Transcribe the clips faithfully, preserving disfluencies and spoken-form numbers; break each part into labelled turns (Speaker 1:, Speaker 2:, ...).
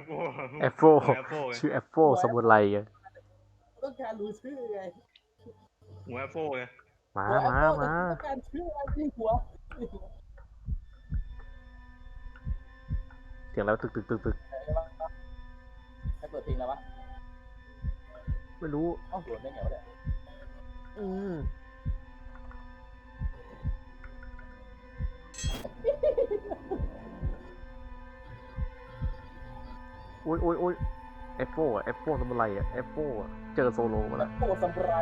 Speaker 1: ปโฟ
Speaker 2: แอปโฟชื่อแอปโฟสมุไรไง
Speaker 3: ต้องการรู้ชื่อไง
Speaker 1: หัวแอปโฟไง
Speaker 2: มามามา
Speaker 3: ต้องการชื่ออะไรที่หัว
Speaker 2: เสียงแล้วตึกตึกตึกตึก
Speaker 3: ใครเปิดเพลงแล้ววะ
Speaker 2: ไม่รู้
Speaker 3: เอ้าโดนได้ไงวะเนี่ย
Speaker 2: อืมโอ้ยโอ้ยโอ้ยแอปโฟอะแอปโฟสมุไรอะแอปโฟอะเจอโซโลมาแล้ว
Speaker 3: โอ้ซามูไร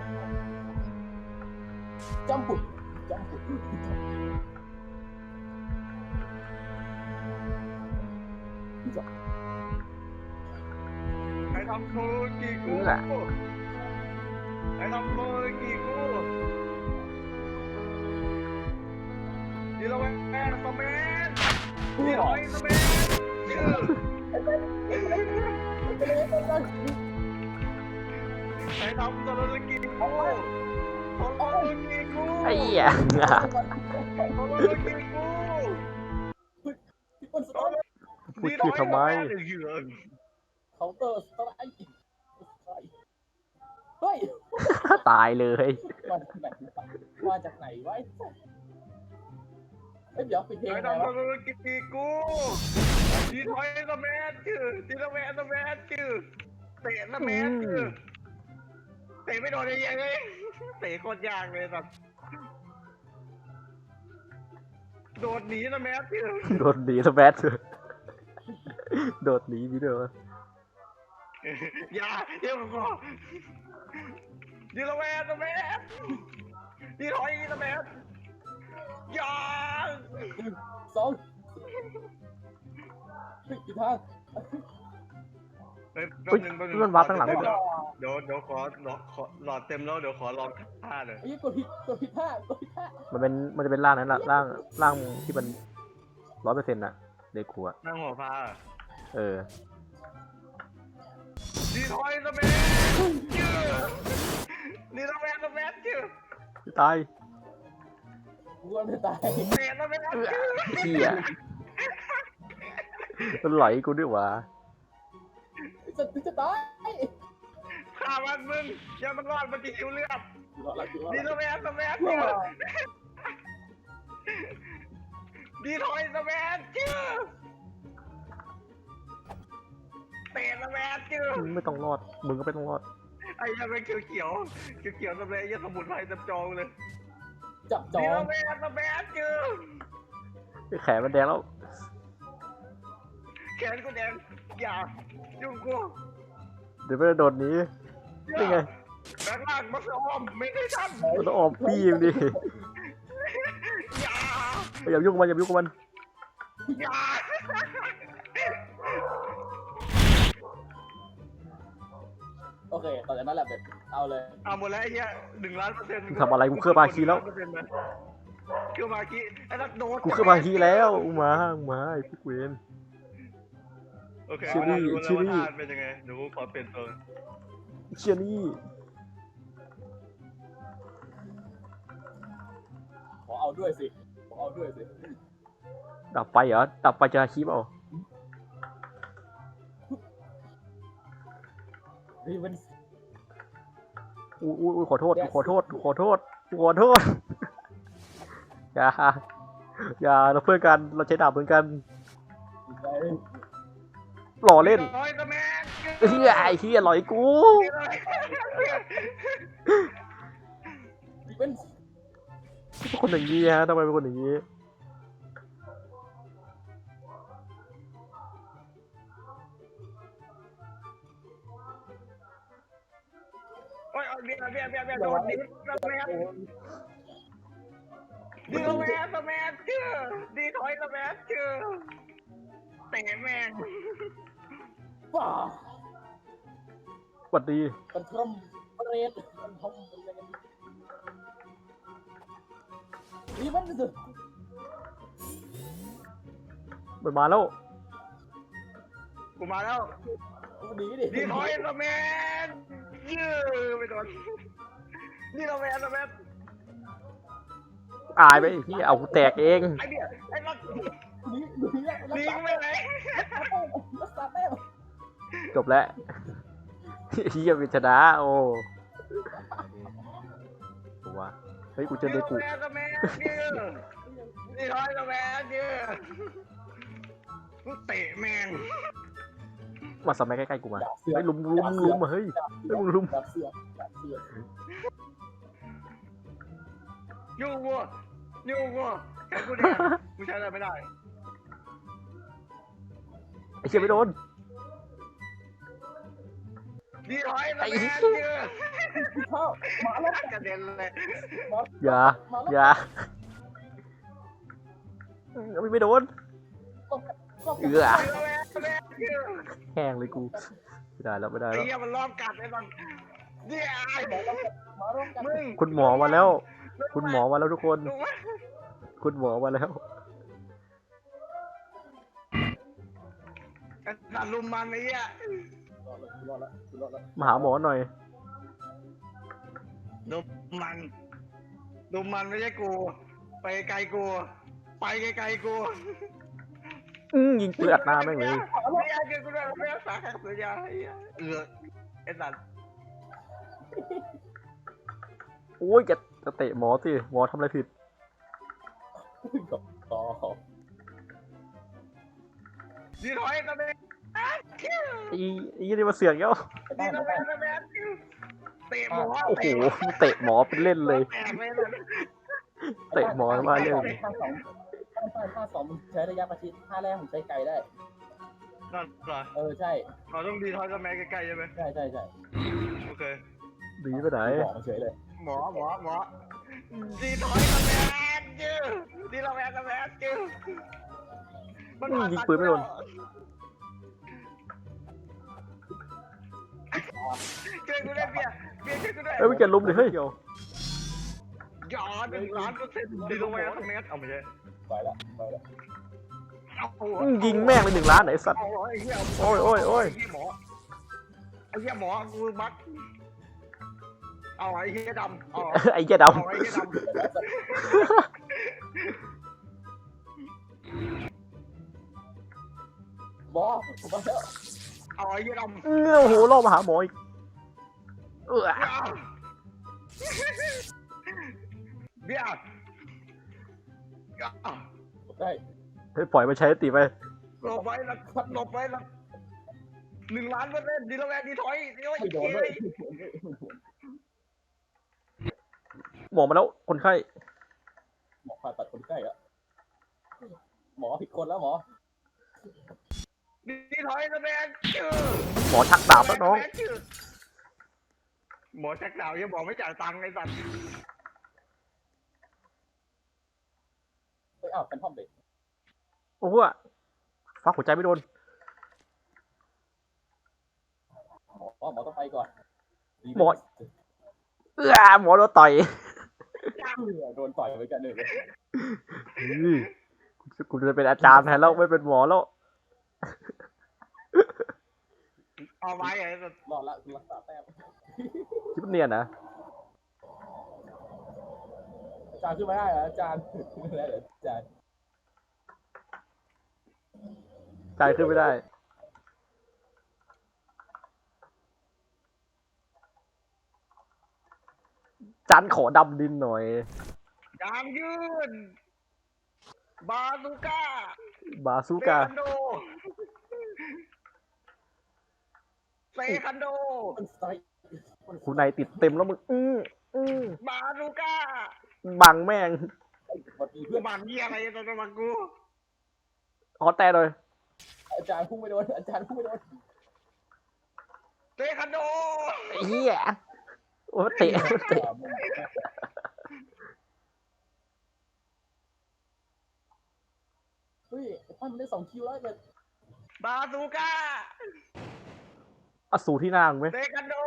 Speaker 3: จัมปุดจัมปุด
Speaker 1: ใครทำโคกิกูใครทำโคกิกูดีแล้วแมนสแมนดีหอยสแมนชื่อใครทำโซโลกิกูโซโลกิกู
Speaker 2: ไอ้เหี้ย
Speaker 1: โซโลกิกู
Speaker 2: พูดชื่อทำไม
Speaker 3: เคาน์เตอร์สไตล์เฮ้ย
Speaker 2: ตายเลย
Speaker 3: มาจากไหนมาจากไหนวะเฮ้ยเดี๋ยวปิดเพลง
Speaker 1: ไอ้
Speaker 3: ไง
Speaker 1: ดำ
Speaker 3: วะ
Speaker 1: มันกินกูดีถอยสแมนชื่อดีสแมนสแมนชื่อเตะสแมนชื่อเตะไม่โดนยังไงเลยเตะโคตรยากเลยสัตว์โดดหนีสแมนชื่อ
Speaker 2: โดดหนีสแมนโดดหนีนี่เด้อ
Speaker 1: อย่าเดี๋ยวก่อนดีสแมนสแมนดีถอยสแมนอย่า
Speaker 3: สองปิดทาง
Speaker 1: เฮ้ยแป๊บนึงแป๊บนึง
Speaker 2: มันวัดข้างหลัง
Speaker 1: เดี๋ยวเดี๋ยวเดี๋ยวขอหลอดเต็มแล้วเดี๋ยวขอลองท่าหน่อย
Speaker 3: ไอ้กดผิดกดผิดท่ากดผิดท่า
Speaker 2: มันเป็นมันจะเป็นร่างนั้นแหละร่างร่างที่มันร้อยเปอร์เซ็นต์อะเด็กขัว
Speaker 1: นั่งหัวพา
Speaker 2: เออ
Speaker 1: ดีถอยสแมนชื่อดีสแมนสแมนชื่อ
Speaker 2: ตาย
Speaker 3: กูว่าไม่ตาย
Speaker 1: เตะสแมนชื่อ
Speaker 2: เหี้ยมันไหลกูด้วยวะ
Speaker 3: จะจะตาย
Speaker 1: ฆ่ามันมึงอย่ามันรอดมันจะหิวเลือดดีสแมนสแมนดีถอยสแมนชื่อเตะสแมนชื่อ
Speaker 2: ไม่ต้องรอดมึงก็ไม่ต้องรอด
Speaker 1: ไอ้ยังเป็นเขียวเขียวเขียวเขียวสแมนยังสมุนไพรจับจองเลย
Speaker 3: จับจอง
Speaker 1: ดีสแมนสแมนชื่อ
Speaker 2: แขนมันแดงแล้ว
Speaker 1: แขนกูแดงอย่ายุ่งกู
Speaker 2: เดี๋ยวไม่โดนนี้นี่ไง
Speaker 1: แบงล่างมาสอมไม่ได้ทัน
Speaker 2: มันต้องออกปีมดิ
Speaker 1: อย่า
Speaker 2: อย่ายุ่งมันอย่ายุ่งมัน
Speaker 1: อย่า
Speaker 3: โอเคตอนนั้นแหละแบบเอาเลย
Speaker 1: เอาหมดแล้วไอ้เหี้ยหนึ่งล้านเปอร์เซ็นต์
Speaker 2: ทำอะไรกูเคลื่อนมาคีแล้ว
Speaker 1: เคลื่อนมาคีไอ้นักโดด
Speaker 2: กูเคลื่อนมาคีแล้วมามาไอ้พวกเวน
Speaker 1: โอเคชิลี่ชิลี่เป็นยังไงเดี๋ยวกูขอเปลี่ยนตัว
Speaker 2: เชียนี่
Speaker 3: ขอเอาด้วยสิขอเอาด้วยสิ
Speaker 2: ดับไปเหรอดับไปจะคีบเอา
Speaker 3: รีเวน
Speaker 2: อู้อู้ขอโทษขอโทษขอโทษขอโทษอย่าอย่าเราเพื่อนกันเราใช้ดาบเหมือนกันหล่อเล่นเฮียไอ้เฮียหล่อยกูเป็นคนอย่างนี้ฮะทำไมเป็นคนอย่างนี้
Speaker 1: โอ้ยเบียร์เบียร์เบียร์เบียร์โดนดิสแมนดีสแมนสแมนชื่อดีถอยสแมนชื่อเตะแมง
Speaker 3: ว้า
Speaker 2: สวัสดี
Speaker 3: เป็นทรมเรดเป็นทรมนี่มันสุด
Speaker 2: มันมาแล้ว
Speaker 1: กูมาแล้ว
Speaker 3: ดีดิ
Speaker 1: ดีถอยสแมนยื้อไปโดนดีสแมนสแมน
Speaker 2: อายไปพี่เอาแตกเอง
Speaker 1: ไอ้เบี้ยไอ้รัก
Speaker 3: หนีหนี
Speaker 1: หนีไม่ไหน
Speaker 3: สษาแต้ม
Speaker 2: จบแล้วเฮียเป็นชนะโอ้ตัววะเฮ้ยกูเจอเดกู
Speaker 1: แมนกับแมนยืดดีทอยกับแมนยืดกูเตะแมง
Speaker 2: มาสมัยใกล้ๆกูมา
Speaker 3: ดาบเสือ
Speaker 2: เฮ้ยลุมลุมลุมมาเฮ้ย
Speaker 3: ดาบเสือ
Speaker 2: ลุมลุม
Speaker 3: ดาบเสือดาบเสือ
Speaker 1: ยูวัวยูวัวแค่กูแดงกูใช้อะไรไม่ได้
Speaker 2: ไอ้เชี่ยไม่โดน
Speaker 1: ดีทอยกับแมนยืด
Speaker 3: เข้ามาแล้ว
Speaker 1: กระเด็นเลย
Speaker 2: อย่า
Speaker 3: มาแล้ว
Speaker 2: อย่าไม่ไม่โดน
Speaker 3: ก็
Speaker 2: เอือ
Speaker 1: ดีทอยกับแมนยืด
Speaker 2: แห้งเลยกูไม่ได้แล้วไม่ได้
Speaker 1: ไอ้
Speaker 2: แล้ว
Speaker 1: เหี้ยมันรอบกัดไอ้บังเดี๋ยว
Speaker 3: มาร่วมกัน
Speaker 1: มึง
Speaker 2: คุณหมอมาแล้ว คุณหมอมาแล้วทุกคน
Speaker 1: รู้ไหม
Speaker 2: คุณหมอมาแล้ว
Speaker 1: ไอ้สัตว์ลุมมันไอ้เหี้ย
Speaker 3: รอดแล้วรอดแล้ว
Speaker 2: มาหาหมอหน่อย
Speaker 1: ลุมมันลุมมันไม่ใช่กู ไปไกลกู ไปไกลๆกู
Speaker 2: อื้อยิงปืนอัดหน้าแม่งเลย
Speaker 1: ไม่อยากเจอกูด้วยไม่อยากสาหัสเลยาไอ้เหี้ยเออไอ้สัตว์
Speaker 2: โอ้ยจะจะเตะหมอสิหมอทำอะไรผิด
Speaker 3: ต่อ
Speaker 1: ดีถอยตะเบน
Speaker 2: ไอ้ไอ้ยี่นี่มาเสือกเย้า
Speaker 1: ดีตะเบนตะเบนเตะหมอ
Speaker 2: โอ้โหเตะหมอเป็นเล่นเลย
Speaker 1: แตกเลยนะ
Speaker 2: เตะหมอมาเรื่อง
Speaker 3: ท่าสองท่าท่าสองมันใช้ระยะประชิดท่าแรกผมใช้ไกลได้
Speaker 1: นั่นเหรอ
Speaker 3: เออใช่
Speaker 1: เราต้องดีถอยกับแม่ใกล้ๆใช่ไหม
Speaker 3: ใช่ใช่ใช่
Speaker 1: โอเค
Speaker 2: ดีไปไหน
Speaker 3: บอกมาเฉยเลย
Speaker 1: หมอหมอหมอดีถอยตะเบนจื้อดีตะเบนตะเบนจื้อมันผ่า
Speaker 2: ยิง
Speaker 1: ตัด
Speaker 2: ปืนไม่โดน
Speaker 1: ช่วยกูด้วยเบียร์เบียร์ช่วยกูด้วย
Speaker 2: เอ้ยไม่เกิดลุมเลยเฮ้ยเดี๋ยว
Speaker 1: หยอดหนึ่งล้านเปอร์เซ็นต์ดีตะเบนตะเบนเอาไม่ใช่
Speaker 3: ไปแล้วไปแล้ว
Speaker 1: เอา
Speaker 2: อื้อยิงแม่งเลยหนึ่งล้านไหนสัตว์
Speaker 1: เอาไอ้เหี้ย
Speaker 2: โอ้ยโอ้ยโอ้ย
Speaker 1: ไอ้เหี้ยหมอไอ้เหี้ยหมอกูมัดเอาไอ้เหี้ยดำเอา
Speaker 2: ไอ้เหี้ยด
Speaker 1: เอาไอ้เหี้ยดำ
Speaker 3: บอผมมาแล้ว
Speaker 1: เอาไอ้เหี้ยดำ
Speaker 2: ำเออโอ้โหล่อมาหาหมออีกเออ
Speaker 1: เอาเบียร์เอา
Speaker 3: ได้
Speaker 2: เฮ้ยปล่อยมาใช้ตีไป
Speaker 1: หลบไว้ละหลบไว้ละหนึ่งล้านเปอร์เซ็นต์ดีแล้วแม่ดีถอยดีโอ้ย
Speaker 3: ไม่โดนเลย
Speaker 2: หมอมาแล้วคนไข้
Speaker 3: หมอผ่าตัดคนใกล้อะหมอผิดคนแล้วหมอ
Speaker 1: ดีถอยนะแม่จื้อ
Speaker 2: หมอชักดาบแล้วน้อง
Speaker 1: หมอชักดาบยังบอกไม่จ่ายตังค์ไอ้สัตว์
Speaker 3: เฮ้ยอ้าวเป็นท่อมเด็ก
Speaker 2: โอ้โหฟักหัวใจไม่โดน
Speaker 3: หมอหมอต้องไปก่อน
Speaker 2: หมอ เออหมอโดนต่อย
Speaker 3: โดนต่อยไปกันเลย
Speaker 2: อื้อกูจะเป็นอาจารย์แทนแล้วไม่เป็นหมอแล้ว
Speaker 1: เอาไว้ไอ้สัตว์
Speaker 3: รอดละคุณรักษาแต้ม
Speaker 2: คิดว่าเนียนนะ
Speaker 3: อาจารย์ขึ้นมาได้เหรออาจารย์ไม่ได้เหรออาจารย์
Speaker 2: ใจขึ้นไม่ได้ จันขอดำดินหน่อย
Speaker 1: ยางยืนบาซูก้า
Speaker 2: บาซู
Speaker 1: เซ
Speaker 2: กา
Speaker 1: คันโดเซคันโด
Speaker 3: มันสไตล์
Speaker 2: คุณนายติดเต็มแล้วมึง อื้ออื้อบ
Speaker 1: าซูก้า
Speaker 2: บังแม่ง
Speaker 3: สวัสดี
Speaker 1: กู
Speaker 3: เพื่อน
Speaker 1: บังเยี่ยอะไรตอนมากู
Speaker 2: ขอแต่หน่อย
Speaker 3: อาจารย์พุ่งไม่โดนอาจารย์พุ่งไม่โดน
Speaker 1: เซคันโด
Speaker 2: ไอ้เหี้ยโอ้เตะเตะ
Speaker 3: เฮ้ยไอ้ปั้นมันได้สองคิวแล้วเนี่ย
Speaker 1: บาซูก้า
Speaker 2: อสูรที่หนางไหม
Speaker 1: เซคันโด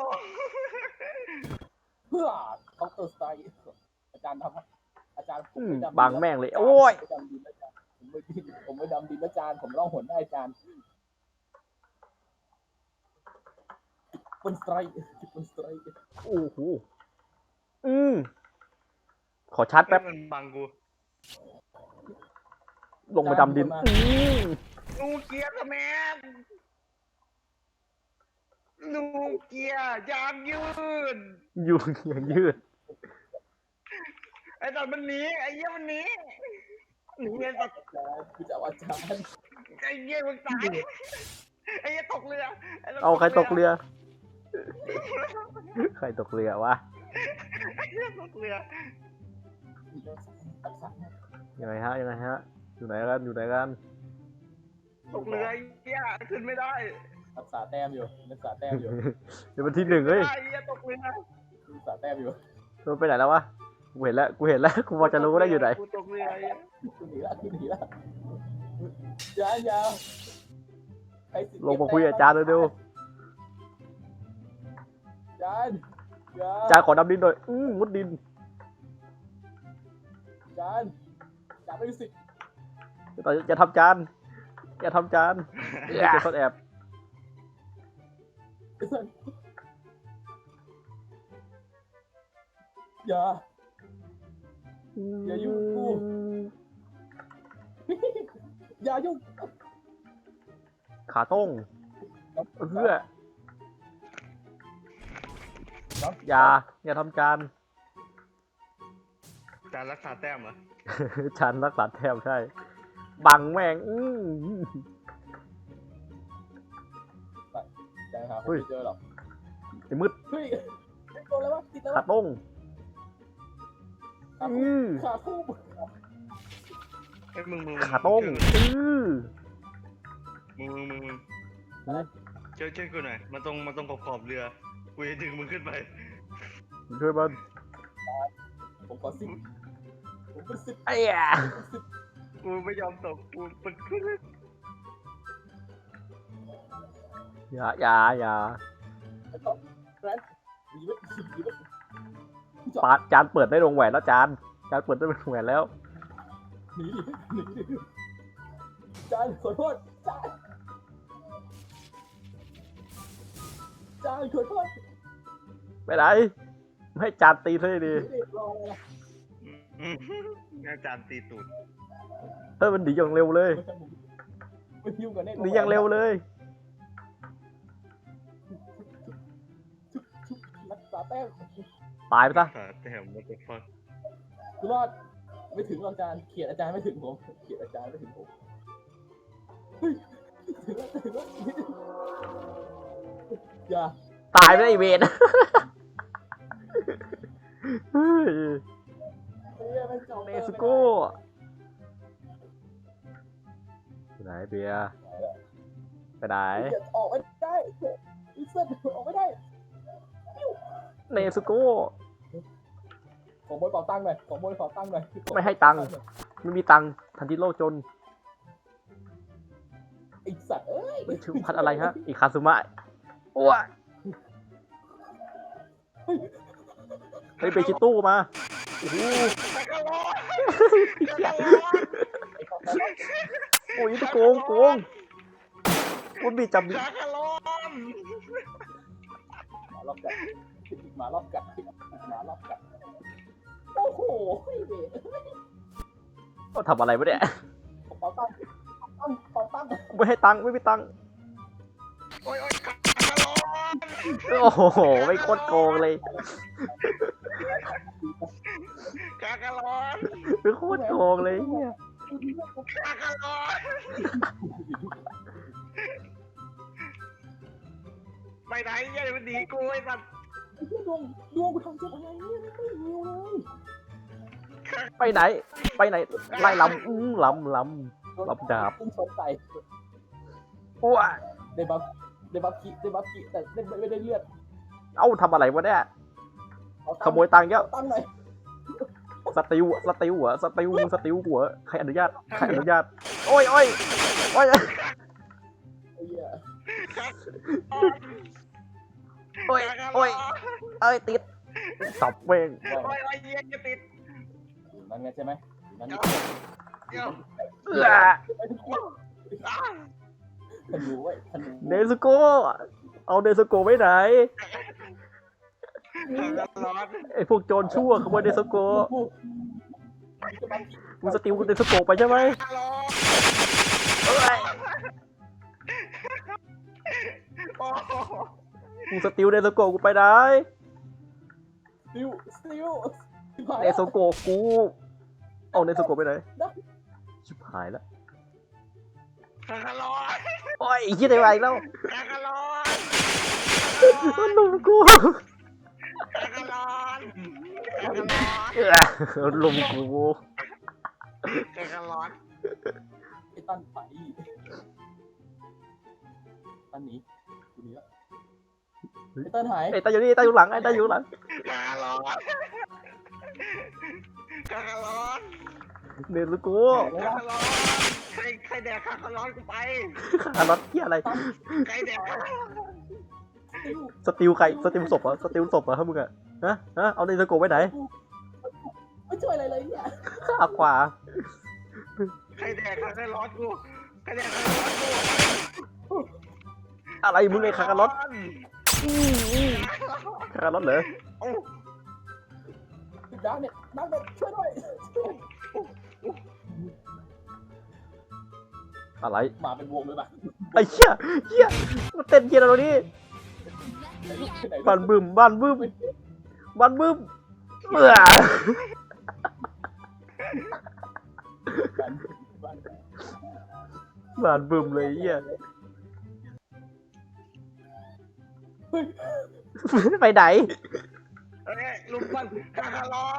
Speaker 3: เพื่อเคาน์เตอร์สไตล์อาจารย์ทำอาจารย์ผม
Speaker 2: อืม
Speaker 3: ไม่ดำ
Speaker 2: บังแม่งเลย โอ้ย
Speaker 3: ผมไม่ดำดินอาจารย์ผมไม่ดินผมไม่ดำดินอาจารย์ผมล่องหนได้อาจารย์บนสไตร์บนสไตร์
Speaker 2: โอ้โห อืมขอชาร์จแป๊บ
Speaker 1: มันบังกู
Speaker 2: ลงไปดำดิน อืม
Speaker 1: นูเกียร์สแมนนูเกียร์ยางยืด
Speaker 2: อยู่อย่างยืด
Speaker 1: ไอ้ตอนมันหนีไอ้เหี้ยมันหนีหนีไอ้สัตว์
Speaker 3: อาจารย์คือจะเอาอาจารย์
Speaker 1: ไอ้เหี้ยมึงตายไอ้เหี้ยตกเรือไสัตว์
Speaker 2: เอาใครตกเรือ ใครตกเรือวะ
Speaker 1: ไอ้เหี้ยตกเรือ
Speaker 3: รักษา
Speaker 2: ยังไงฮะยังไงฮะอยู่ไหนกันอยู่ไหนกัน
Speaker 1: ตกเรือไอ้เหี้ยขึ้นไม่ได้
Speaker 3: รักษาแต้มอยู่รักษาแต้มอยู่
Speaker 2: เดี๋ยวมันที่หนึ่งเฮ้ย
Speaker 1: ไอ้เหี้ยตกเรือ
Speaker 3: รักษาแต้มอยู่
Speaker 2: มันไปไหนแล้ววะกูเห็นแล้วกูเห็นแล้วกูพอจะรู้ได้อยู่ไหน
Speaker 1: กูตกเรือไอ้เหี้ย
Speaker 3: กูหนีละกูหนีละยาวยาวใครสิ
Speaker 2: ลงมาคุยกับอาจารย์เร็ว
Speaker 3: อาจารย์ยา
Speaker 2: ๆอาจารย์ขอดำดินหน่อยอื้อมุดดิน
Speaker 3: อาจารย์อาจารย์ไม่มีสิทธิ์
Speaker 2: อย่าอย่าทำจานอย่าทำจานอย่าซ่อนแอบ
Speaker 3: อย่า อย่ายุ่งกู อย่ายุ่ง
Speaker 2: ขาต้งเพื่ออย่าอย่าทำจาน
Speaker 1: จานรักษาแต้มเหรอ
Speaker 2: ฉันรักษาแทบใช่ บังแม่งอื้อ
Speaker 3: อาจารย์ครับผม
Speaker 2: เฮ้ย
Speaker 3: ไม่เจอหรอก
Speaker 2: ไอ้มืด
Speaker 3: เฮ้ยไม่โดนแล้ววะติดแล้ว
Speaker 2: ขาว
Speaker 3: ะ
Speaker 2: ต้ง
Speaker 3: ขา
Speaker 2: อื
Speaker 3: คู่
Speaker 2: อ
Speaker 3: ขาคู่
Speaker 1: ไอ้ยมึงมึง
Speaker 2: ขาต้งอื้อ
Speaker 1: มึงมึงมึงมึง
Speaker 2: นะ
Speaker 1: ช่วยช่วยกูหน่อยมันตรงมันตรงขอบขอบเรือกูจะดึงมึงขึ้นไป
Speaker 2: ช่วยมัน
Speaker 3: ผมขอสิบผมเป็นสิบ
Speaker 2: ไอ้ยา
Speaker 1: กูไม่ยอมตกกูเป็นขึ้น
Speaker 2: อย่าอย่าอย่า
Speaker 3: แกรนด์ดีไหมดีไหม
Speaker 2: ปาดจานเปิดได้วงแหวนแล้วจานจานเปิดได้วงแหวนแล้ว
Speaker 3: หนีดิหนีดิอาจารย์ขอโทษอาจารย์อาจารย์ขอโทษ
Speaker 2: ไปไหนไม่ให้จานตีเลยดิ
Speaker 3: หนีดิรออะไรล่ะ
Speaker 1: อืมอาจารย์ตีตูด
Speaker 2: เฮ้ยมันหนีอย่างเร็วเลย
Speaker 3: ไม่ยุ่งกันแน่
Speaker 2: หนีอย่างเร็วเลย
Speaker 3: รักษาแต้ม
Speaker 2: ตายไปซะ
Speaker 1: ขาแต้มมันจะฟัก
Speaker 3: กูรอดไม่ถึงหรอกอาจารย์เขียนอาจารย์ไม่ถึงผมเขียนอาจารย์ไม่ถึงผมเฮ้ยถึงแล้วถึงแล้วอย่า
Speaker 2: ตายไปได้ไอ้เวรเฮ้ย
Speaker 3: เฮ้ยมันจบ
Speaker 2: เนสโก้ไปไหนเบียร์ไปไหน
Speaker 3: อย่าออกไม่ได้อีเซนออกไม่ได้
Speaker 2: เนสโก้
Speaker 3: ของบนเป่าตังค์หน่อยของบนเป่าตังค์หน่อย
Speaker 2: ไม่ให้ตังค์ ไม่มีตังค์ทันทีโลกจน
Speaker 3: ไอสัตว์เอ้ย
Speaker 2: ไม่ถึงพัดอะไรฮะ อีกคาซุมะอ้วเฮ้ยเบชิตู้มาโอ้โห
Speaker 1: แต่ก็รอด
Speaker 2: โอ้ยจะโกงโกงคุณบีจับ
Speaker 1: จักรลอน
Speaker 3: หมารอบกัดหมารอบกัดหมารอบกัดโอ้โหเด็ก
Speaker 2: ก็ทำอะไรวะเนี่ย
Speaker 3: เป่าตังค์เป่าตังค์
Speaker 2: ไม่ให้ตังค์ไม่มีตังค์
Speaker 1: โอ้ยโอ้ยจักรลอน
Speaker 2: โอ้โหไม่โคตรโกงเลย
Speaker 1: จักรลอน
Speaker 2: ไม่โคตรโกงเลยเนี่ย
Speaker 1: จักรลอนไปไหนยัยมันดีกูไอ้สัตว์
Speaker 3: ไอ้เหี้ยดวงดวงกูทำเจ็บอะไรเนี่ยไม่หิวเลย
Speaker 2: ไปไหน ไปไหนไล่ลำอื้อลำลำ รับดาบ
Speaker 3: พุ่งชนใส่
Speaker 2: อ้ว
Speaker 3: ได้บัฟได้บัฟกิได้บัฟกิแต่ได้ไม่ได้เลือด
Speaker 2: เอ้าทำอะไรวะเนี่ย
Speaker 3: เอาตัง
Speaker 2: ขโมยตังค์เยอะ
Speaker 3: ตั้งหน่อย
Speaker 2: สติวสติวหัวสติวสติวหัวใครอนุญาตใครอนุญาตโอ้ยโอ้ยโอ้ย
Speaker 3: ไอ้เหี้ย
Speaker 2: โอ้ยโอ้ยเอ้ยติดสับเว้ง
Speaker 3: ว่า
Speaker 1: โอ้ยโอ้ยเยี่ยจะติด
Speaker 3: นั่นไงใช่ไหมนั่นนี่
Speaker 1: เดี๋ยว
Speaker 2: เอื้อ
Speaker 1: อ้าว
Speaker 3: ธนูไว้ธนู
Speaker 2: เนสโก้เอาเนสโก้ไว้ไหน
Speaker 1: จักรลอน
Speaker 2: ไอพวกโจรชั่วขโมยเนสโก้
Speaker 3: กู
Speaker 2: มึงสติวเนสโก้ไปใช่ไหม
Speaker 1: จักรลอน
Speaker 2: เอ้ยมึงสติลเนโซโกะกูไปไหน
Speaker 3: ซิวซิวชิบหาย
Speaker 2: เนโซโกะกูเอาเนโซโกะไปไหน
Speaker 3: ได้
Speaker 2: ชิบหายแล้ว
Speaker 1: คาคาลอน
Speaker 2: โอ้ยไอ้เหี้ยได้มาอีกแล้ว
Speaker 1: คาคาลอน
Speaker 2: มันลุมกู
Speaker 1: คาคาลอนคาคาลอน
Speaker 2: เออลุมกู
Speaker 1: คาคาลอน
Speaker 3: ไอ้ตั้นไปตั้นหนีกูหนีแล้วไอ้ตั้นหาย
Speaker 2: ไอ้ตาอยู่นี่ตาอยู่หลังไอ้ตาอยู่หลัง
Speaker 1: คาคาลอนคาคาลอน
Speaker 2: เนโซโกะ
Speaker 1: คาคาลอนใครใครแดกคาคาลอนกูไป
Speaker 2: คาร์ลอตเหี้ยอะไร
Speaker 1: ใครแดกคาคาลอน
Speaker 3: ซิว
Speaker 2: สติลใครสติลศพเหรอสติลศพเหรอฮะมึงอะฮะฮะเอาเนโซโกะไปไหน
Speaker 3: ไม่ช่วยอะไรเลยเนี่ย
Speaker 2: เอาขวา
Speaker 1: ใครแดกคาคาลอนกูใครแดกคาคาลอนกู
Speaker 2: อะไรมึงไอ้คาร์ลอตคาร์ลอตเหรอ
Speaker 1: โอ้
Speaker 3: ดังเนี่ยดังเนี่ยช่วยด้วย
Speaker 2: อะไร
Speaker 3: มาเป็นวงเลยป่ะ
Speaker 2: ไอ้เหี้ยเหี้ยมาเต้นเหี้ยอะไรตรงนี้
Speaker 3: ไหนลูกไหนลูก
Speaker 2: บ้านบึ้มบ้านบึ้มบ้านบึ้มเบื่อ
Speaker 3: บ้านบ้าน
Speaker 2: บ้านบึ้มเลยเหี้ยไปไหน
Speaker 1: เอ้ยลุมมันคาคาลอน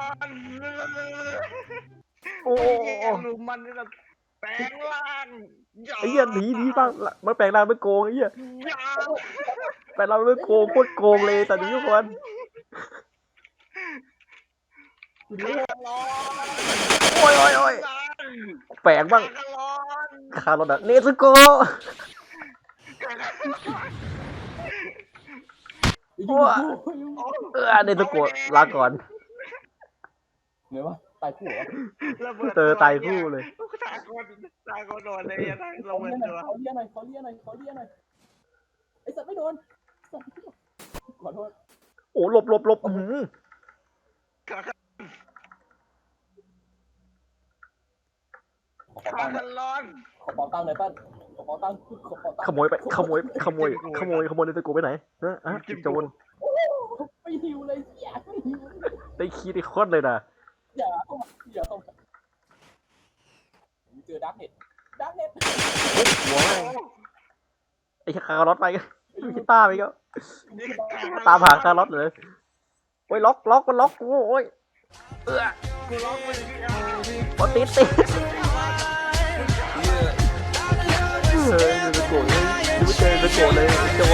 Speaker 2: โอ้
Speaker 1: ไอ้เหี้ยลุมมันนี่แบบแปลงร่าง
Speaker 2: ไอ้เหี้ยหนีหนีบ้างมันแปลงร่างเป็นโกงไอ้เหี้ย
Speaker 1: ยา
Speaker 2: แปลงร่างเป็นโกงโคตรโกงเลยแต่นี้ทุกคน
Speaker 3: คุณนี่
Speaker 1: คาลอน
Speaker 2: โอ้ยโอ้ยโอ้ยแปลงบ้าง
Speaker 1: คาลอน
Speaker 2: คาร์ลอตอะเนซึโกะ
Speaker 3: อยู่
Speaker 2: เออเนซึโกะลาก่อน
Speaker 3: เหนื่อยวะตายคู่เหรอ
Speaker 2: เจอตายคู่เลย
Speaker 1: ตายคนตายคนโดนเลยยังไง
Speaker 3: ข
Speaker 1: ล
Speaker 3: อง
Speaker 1: มา
Speaker 3: เลี้ยหน่
Speaker 1: ตั
Speaker 3: อยว ขอเลี้ยหน่อยขอเลี้ยหน่อยขอเลี้ยหน่อยไอ้สัตว์ไม่โดนขอโทษ
Speaker 2: โอ้หลบหลบหลบอื้อหือ
Speaker 3: ขอ
Speaker 1: คา
Speaker 3: ตังค์
Speaker 1: คาลอน
Speaker 3: ขอเป๋าตังค์หน่อยป้าขอเป๋าตังค์ขอเป๋าตังค์
Speaker 2: ขโมยไปขโมยขโมยขโมยขโมยเนซึโกะไปไหนฮะฮะโจร
Speaker 3: ไม่หิวเลยอย่าไม่หิว
Speaker 2: ได้คีย์ได้โคตรเลยนะ
Speaker 3: อย่าเข้ามาอย่าเข้ามาเจอดักเน็ตดักเน็ต
Speaker 2: หัวแม่งไอ้คาร์ลอตไปกีตาร์ไปก็ตามหาคาร์ลอตเลยโอ้ยล็อกล็อกมันล็อกกูโอ้ยเออ
Speaker 1: กูร้องไปเลย
Speaker 2: บอติดติดเฮ้ยเนซึโกะเลยดูเจอเนซึโกะเลยโจ